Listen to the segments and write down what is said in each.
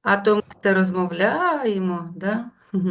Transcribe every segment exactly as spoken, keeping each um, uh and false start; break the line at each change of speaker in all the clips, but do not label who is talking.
А то ми те розмовляємо, да?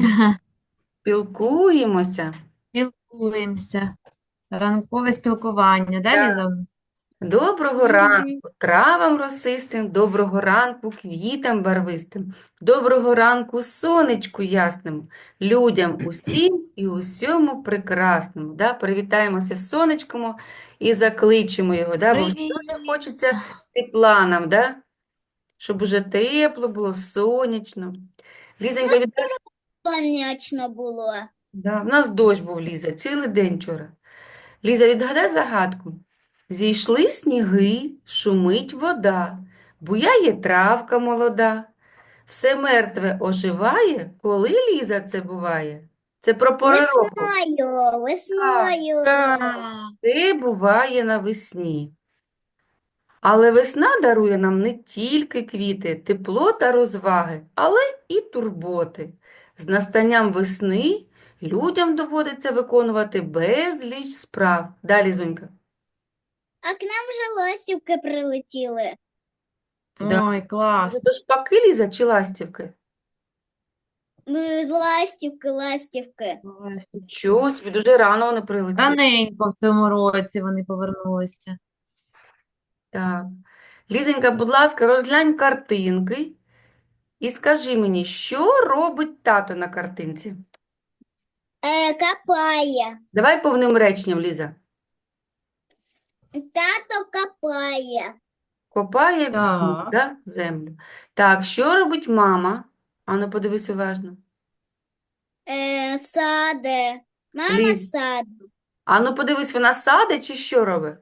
Спілкуємося.
Спілкуємося. Ранкове спілкування. Да,
Так.
Ліза? у нас?
Доброго
Мгм.
ранку травам росистим, доброго ранку квітам барвистим, доброго ранку сонечку ясному, людям усім і усьому прекрасному. Да? Привітаємося з сонечком і закличемо його, да? Бо вже дуже
Привіт!
хочеться тепла нам, да? Щоб уже тепло було, сонячно. Лізенька, віддай.
Сонячно було.
Да, в нас дощ був, Ліза, цілий день вчора. Ліза, відгадай загадку. Зійшли сніги, шумить вода, буяє травка молода. Все мертве оживає, коли, Ліза, це буває? Це про пори року.
Весною,
Так,
весною.
Ура!
це буває навесні. Але весна дарує нам не тільки квіти, тепло та розваги, але і турботи. З настанням весни людям доводиться виконувати безліч справ. Далі, Зонька.
А к нам вже ластівки прилетіли.
Да.
Ой, клас.
Може, то шпаки, Ліза, чи ластівки?
Ми ластівки, ластівки.
Ой.
Чого собі, дуже рано вони прилетіли.
Раненько в цьому році вони повернулися.
Так. Лізенька, будь ласка, розглянь картинки і скажи мені, що робить тато на картинці?
Е, копає.
Давай повним реченням, Ліза.
Тато копає.
Копає ґрунт,
Так.
да? Землю. Так, що робить мама? Ану, подивись уважно.
Е, саде. Мама
Ліз,
саде.
ану, подивись, вона садить чи що робить?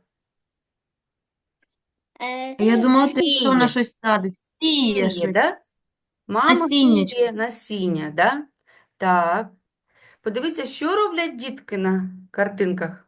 Е,
Я думала, ти що вона
Сіє.
щось садить. Сіє
Сіє,
щось.
да? Мама
Насіннячко.
сіє насіння, да? Так. Подивися, що роблять дітки на картинках.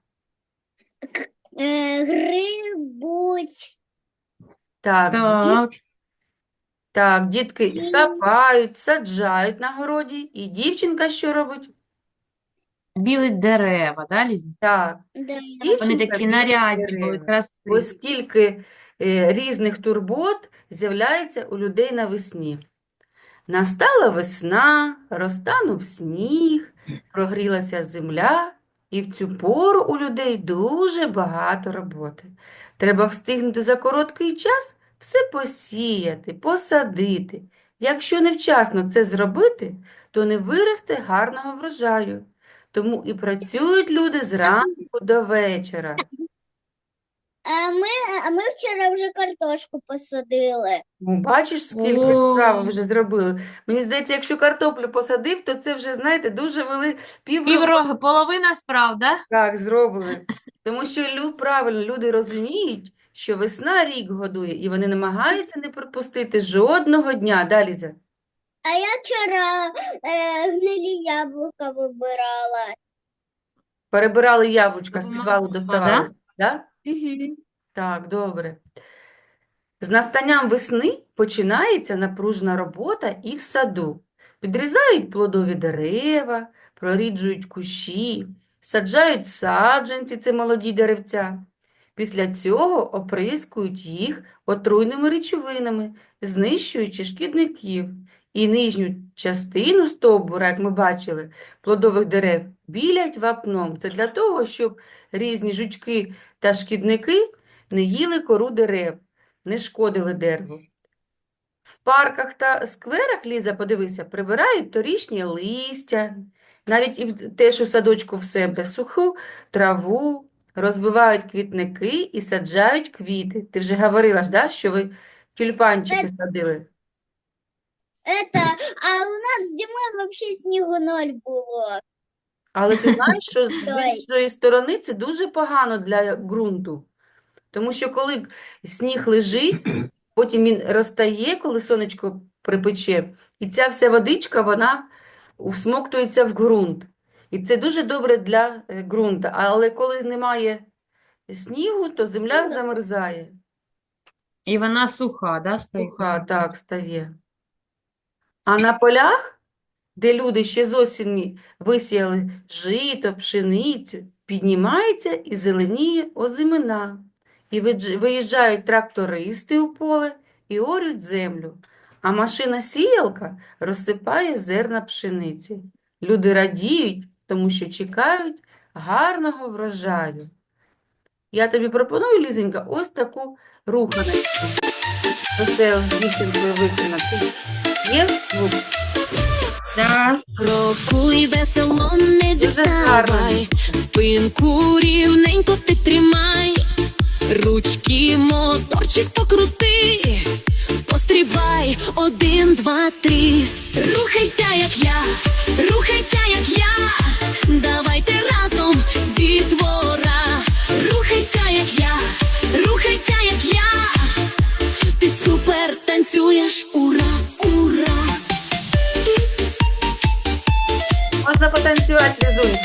е, грибуть.
Так, діт...
Так.
так, дітки
І,
сапають, саджають на городі. І дівчинка що робить?
Білить дерева, да, Ліза?
Так,
да.
Вони
дівчинка
такі
білить
нарядні були,
дерева.
красиві.
Ось скільки е, різних турбот з'являється у людей навесні. Настала весна, розтанув сніг, прогрілася земля, і в цю пору у людей дуже багато роботи. Треба встигнути за короткий час все посіяти, посадити. Якщо невчасно це зробити, то не виросте гарного врожаю. Тому і працюють люди зранку до вечора.
А ми, а ми вчора вже картошку посадили.
Ну, бачиш, скільки справи
О,
вже зробили. Мені здається, якщо картоплю посадив, то це вже, знаєте, дуже вели півроку
півроку, половина справ, да?
так зробили. Тому що лю, правильно, люди розуміють, що весна рік годує, і вони намагаються не пропустити жодного дня. Далі це.
А я вчора е, гнилі яблука вибирала.
Перебирали яблучка з підвалу,
Допомагала, да?
доставали. Да?
Угу.
Так, добре. З настанням весни починається напружена робота і в саду. Підрізають плодові дерева, проріджують кущі, саджають саджанці, це молоді деревця. Після цього оприскують їх отруйними речовинами, знищуючи шкідників. І нижню частину стовбура, як ми бачили, плодових дерев, білять вапном. Це для того, щоб різні жучки та шкідники не їли кору дерев, не шкодили дереву. В парках та скверах, Ліза, подивися, прибирають торішнє листя, навіть і в- теж у садочку в себе суху траву, розбивають квітники і саджають квіти. Ти вже говорила ж, да, що ви тюльпанчики садили.
Это, а у нас зимой вообще снігу ноль було.
Але ти знаєш, що з з
Той.
іншої сторони це дуже погано для ґрунту. Тому що коли сніг лежить, потім він розтає, коли сонечко припече, і ця вся водичка, вона всмоктується в ґрунт. І це дуже добре для е, ґрунту. Але коли немає снігу, то земля замерзає.
І вона суха, да, стає?
Суха так стає. А на полях, де люди ще з осені висіяли жито, пшеницю, піднімається і зеленіє озимина. І видж- виїжджають трактористи у поле і орють землю. а машина-сіялка розсипає зерна пшениці. Люди радіють, тому що чекають гарного врожаю. Я тобі пропоную, Лізенька, ось таку руханочку. Оце дівчинкою виконати. Є звук?
Да.
Крокуй весело, не
Дуже гарно.
відставай, спинку рівненько ти тримай, ручки, моторчик покрути, пострибай, один, два, три. Рухайся, як я, рухайся, як я, давайте разом, дітвора. Рухайся, як я, рухайся, як я, ти супер танцюєш, ура, ура.
Можна потанцювати, Лізунька.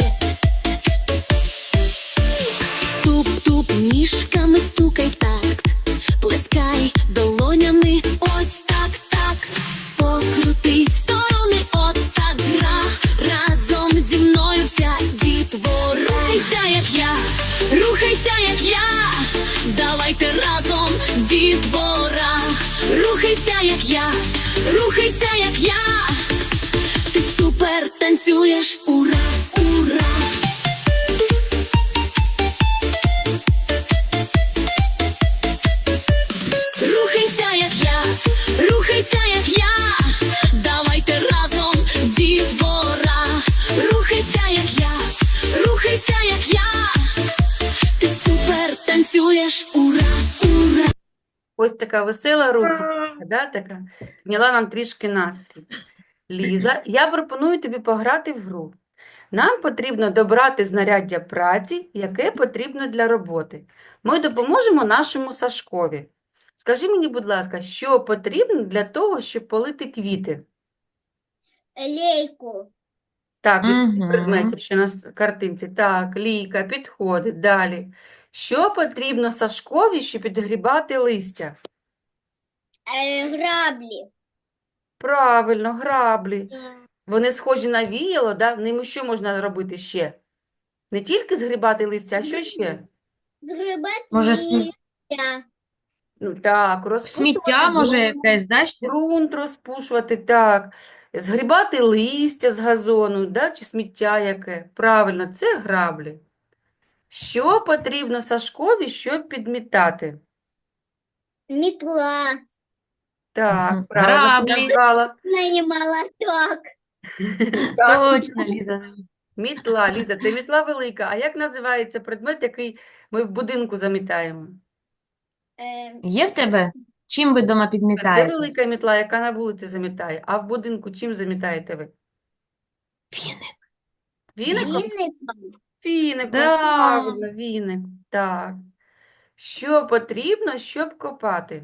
Туп-туп ніжками стукай в такт, плескай долонями, ось так, так. Покрутись в сторони, от так гра, разом зі мною вся дітвора. Рухайся, як я, рухайся, як я, давайте разом, дітвора. Рухайся, як я, рухайся, як я, ти супер танцюєш, ура, ура. Рухайся, як я, рухайся, як я, давайте разом, дітвора. Рухайся, як я, рухайся, як я, ти супер танцюєш, ура, ура.
Ось така весела руханка, да, така. Підняла нам трішки настрій. Ліза, я пропоную тобі пограти в гру. Нам потрібно добрати знаряддя праці, яке потрібно для роботи. Ми допоможемо нашому Сашкові. Скажи мені, будь ласка, що потрібно для того, щоб полити квіти?
Лейку.
Так, із цих
Мгм.
предметів, що на с- картинці. Так, лійка, підходить. Далі. Що потрібно Сашкові, щоб підгрібати листя?
Э, грабли.
Правильно, граблі. Вони схожі на віяло, да? Ними що можна робити ще? Не тільки згрібати листя, а що ще?
Сгребать
Може, смі-
нельзя.
Ну так, розпушувати
Сміття, може,
ґрунт,
якесь, да, ще?
ґрунт розпушувати, так. Згрібати листя з газону, да? Чи сміття яке. Правильно, це граблі. Що потрібно Сашкові, щоб підмітати?
Метла.
Так,
Мгм.
правильно ти
Граблі.
назвала.
На не молоток.
Так.
Точно, Ліза.
Мітла, Ліза, це мітла велика. А як називається предмет, який ми в будинку замітаємо?
Э,
Є в тебе? Чим ви вдома
Це
підмітаєте?
велика мітла, яка на вулиці замітає. А в будинку чим замітаєте ви?
Віник.
Віником?
веником.
Віником,
Да.
правильно, віник. Так. Що потрібно, щоб копати?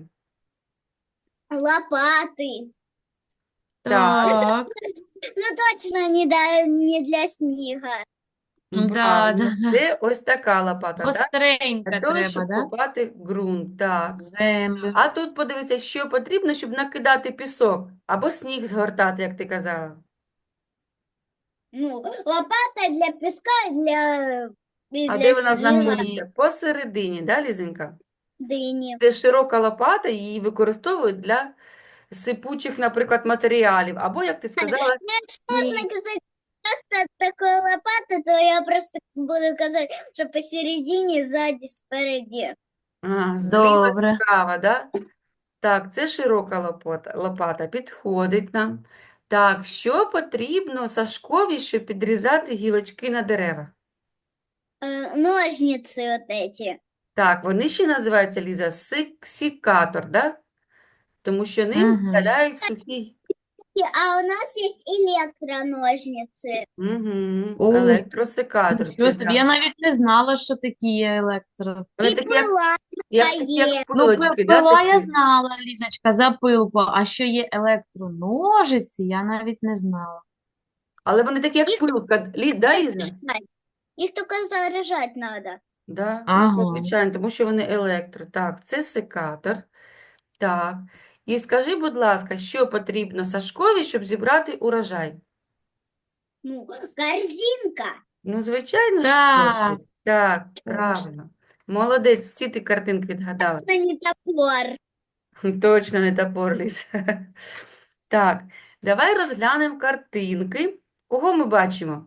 Лопаты.
Так.
Так.
Ну точно не, да, не для снега.
Да,
Правильно.
да, да.
Це ось така лопата, так?
Гостренька
Для того,
треба,
щоб
да?
копати ґрунт, так.
Землю.
А тут подивися, що потрібно, щоб накидати пісок або сніг згортати, як ти казала.
Ну, лопата для песка, для, и
А
для
де вона
снега,
знаходиться? Посередині, да, Лізенька?
дыни.
Це широка лопата, її використовують для сипучих, наприклад, матеріалів. Або, як ти сказала,
Ну, если можно сказать просто такой лопата, то я просто буду сказать, что посередине, сзади, спереди.
а, зліва,
Добре.
справа, да? Так, це широка лопата, лопата, підходить нам. Так, що потрібно Сашкові, щоб підрізати гілочки на деревах?
Э, ножницы вот эти.
Так, вони ще називаються, Ліза, сик- сікатор, да? Тому що ним
Мгм.
видаляють сухі.
И- А у нас есть электроножницы.
Угу.
О,
Електросекатор.
Нічого
Це,
собі,
да.
я навіть не знала, що такі є електро.
Вони
И
такі, як,
пила
як, такі, як
є.
Ну,
пилочки,
пи-
да,
пила я
такі?
знала, Лізочка, за пилку, а що є електроножиці, я навіть не знала.
Але вони такі, як
Їх
пилка. Лі, да, Ліза?
заряжать. Их только заряжать надо.
Да, ну,
Ага.
звичайно, тому що вони електро. Так, це секатор. Так. І скажи, будь ласка, що потрібно Сашкові, щоб зібрати урожай?
Ну, корзинка.
Ну, звичайно, ж
Так.
кошик. Так, правильно. Молодець, всі ти картинки відгадала.
Это не топор.
Точно не топор, Ліз. Так, давай розглянемо картинки. Кого ми бачимо?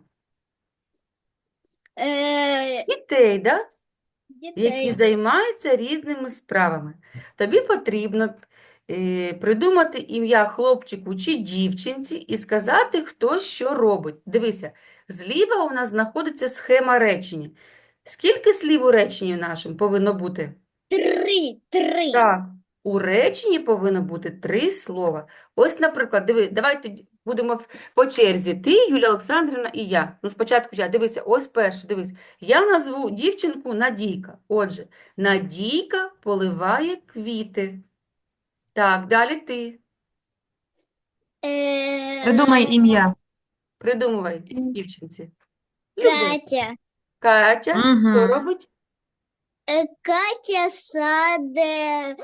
Е,
Дітей, да? Які
Дітей.
займаються різними справами. Тобі потрібно е, придумати ім'я хлопчику чи дівчинці і сказати, хто що робить. Дивися, зліва у нас знаходиться схема речення. Скільки слів у реченні нашому повинно бути?
Три, три.
Так, у реченні повинно бути три слова. Ось, наприклад, диви, давайте д- будемо в- по черзі. Ти, Юлія Олександрівна і я. Ну, спочатку я. Дивися, ось перше, дивись. Я назву дівчинку Надійка. Отже, Надійка поливає квіти. Так, далі ти.
Е,
Придумай ім'я.
Придумувай
М.
дівчинці. Любов.
Катя.
Катя, що
Угу.
робить?
Е, Катя саде.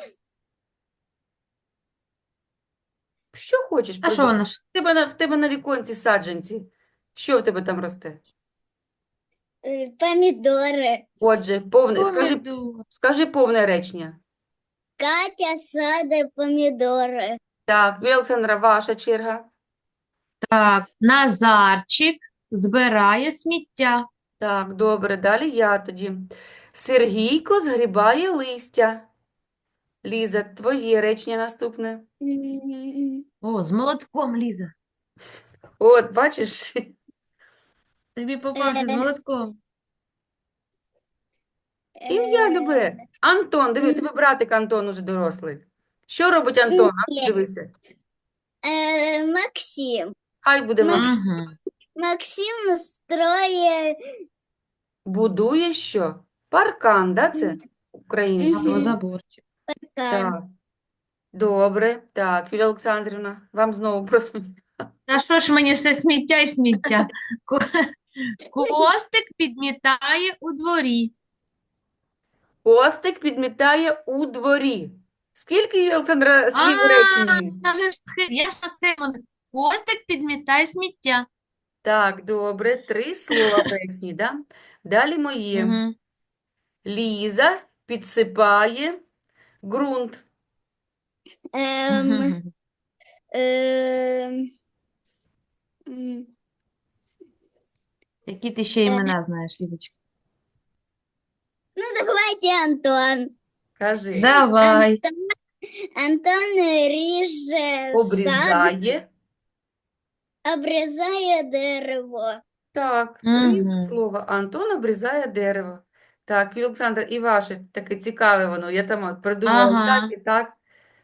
Що хочеш
А що
придумати?
вона ж?
В тебе на, в тебе на віконці саджанці. Що в тебе там росте?
е, Помідори.
Отже, повне, скажи,
Помідор.
скажи повне речення.
Катя саде помідори.
Так, Юлія Олександра, ваша черга.
Так, Назарчик збирає сміття.
Так, добре, далі я тоді. Сергійко згрібає листя. Ліза, твоє речення наступне.
М,
О, з молотком, Ліза.
От, бачиш?
Тобі попався з
Е.
молотком.
Ім'я
е,
любе. Антон, диви, тебе братик Антон уже дорослий. Що робить Антон? А,
Ні.
дивися.
е, Максим.
Хай буде
Макс-
Макс.
Угу.
Максим строє.
Будує що? Паркан, да, це українською?
Або
Мгм.
заборчик.
Так. Добре. Так, Юлія Олександрівна, вам знову просто.
Та що ж мені все сміття і сміття? Ко- Костик підмітає у дворі.
Костик підмітає у дворі. Скільки, Юлія Олександра, слів у
А,
реченні?
я ж схи- я ж на схему. Костик підмітає сміття.
Так, добре. Три слова в реченні, да? Далі моє.
Угу.
Ліза підсипає ґрунт.
Ем, ем, м,
Які ти ще імена знаєш, Лізочка?
Ну, давайте Антон.
Кажи.
Давай.
Антон, Антон ріже сад,
Обрізає.
обрізає дерево.
Так, три
Мгм.
слова. Антон обрізає дерево. Так, Юлія Олександра, і ваше таке цікаве воно. Я там от придумала
Ага.
так і так.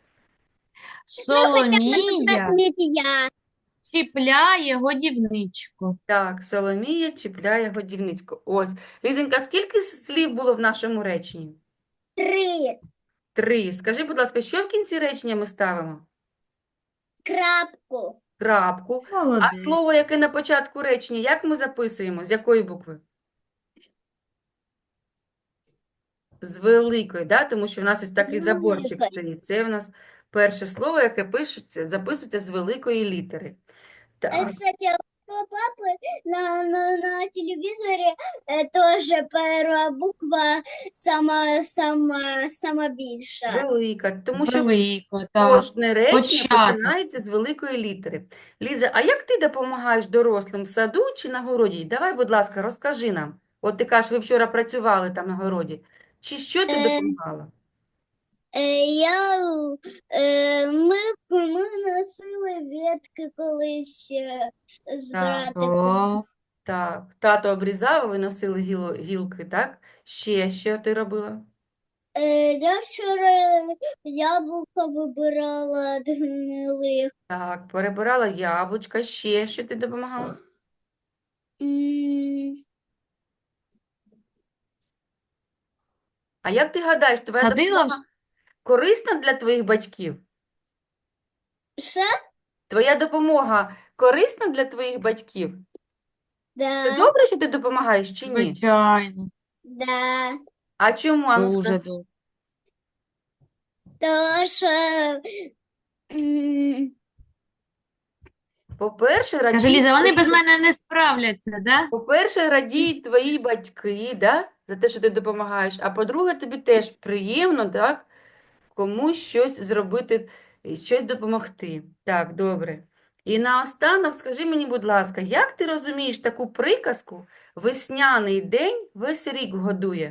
Соломія
Сміття.
чіпляє годівничку.
Так, Соломія чіпляє годівницьку. Ось. Лізенька, скільки слів було в нашому реченні?
Три.
Три. Скажи, будь ласка, що в кінці речення ми ставимо?
Крапку.
Крапку. А
Молодець.
слово, яке на початку речення, як ми записуємо? З якої букви? З великої, да? Тому що в нас ось такий
З
заборчик
великої.
стоїть. Це в нас перше слово, яке пишеться, записується з великої літери.
Э,
Так,
Кстати, у папы на, на, на телевизоре э, тоже первая буква сама, сама, сама більша.
велика. Тому що
Велико, так.
кожне речення
Початок.
починається з великої літери. Ліза, а як ти допомагаєш дорослим в саду чи на городі? Давай, будь ласка, розкажи нам. От ти кажеш, ви вчора працювали там на городі. Чи що ти
Е,
допомагала?
Е, Я, е, ми, ми носили ветки колись е, з
Так.
братиком.
О,
Так, тато обрізав, а ви носили гіло, гілки, так? Ще що ти робила?
Е, Я вчора яблука вибирала від гнилих.
Так, перебирала яблучка. Ще що ти допомагала?
М,
А як ти гадаєш, твоя
садила в...
допомога корисна для твоїх батьків?
Що?
Твоя допомога корисна для твоїх батьків? Це
Да,
добре, що ти допомагаєш чи ні?
Звичайно,
да.
А чому, Ану,
дуже
скажи?
добре.
То що м,
По-перше,
Скажи,
радіють
Ліза, вони
твої
без
ба-
мене не справляться, да?
По-перше, радіють твої батьки, да? За те, що ти допомагаєш. А по-друге, тобі теж приємно, так? комусь щось зробити, е, щось допомогти. Так, добре. І наостанок скажи мені, будь ласка, як ти розумієш таку приказку «Весняний день весь рік годує»?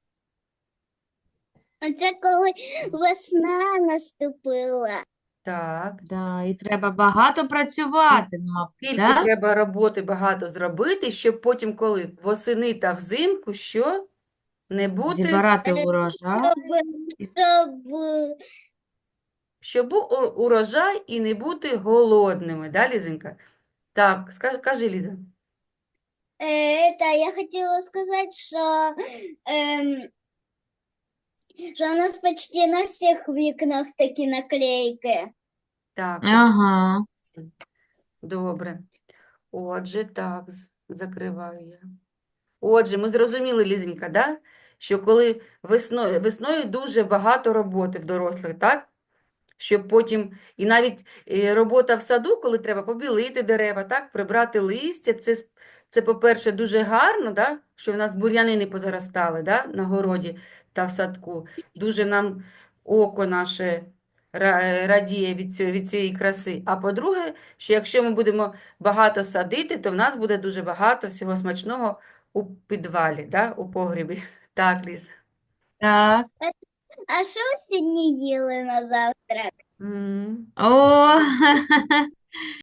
Це коли весна наступила.
Так.
Да, і треба багато працювати, ну, мабуть,
Скільки
да?
треба роботи багато зробити, щоб потім, коли восени та взимку, що? Не бути,
Зібрати урожай.
Щоб, щоб
щоб був у- урожай і не бути голодними, да, Лізенька? Так, ска- кажи, Ліза.
Е, Это я хотела сказать, что, эм, что у нас почти на всех вікнах такі наклейки.
Так,
Ага.
добре. Отже, так, з- закриваю я. Отже, ми зрозуміли, Лізенька, да? Що коли весною, весною дуже багато роботи в дорослих, так? Щоб потім, і навіть е, робота в саду, коли треба побілити дерева, так? Прибрати листя, це, с- це по-перше, дуже гарно, да? Що в нас бур'яни не позаростали, да? На городі та в садку. Дуже нам око наше ра- е, радіє від цього, від цієї краси. А по-друге, що якщо ми будемо багато садити, то в нас буде дуже багато всього смачного у підвалі, да? У погрібі. Так, Ліз.
Так.
А що ви сьогодні їли на завтрак?
М.
О,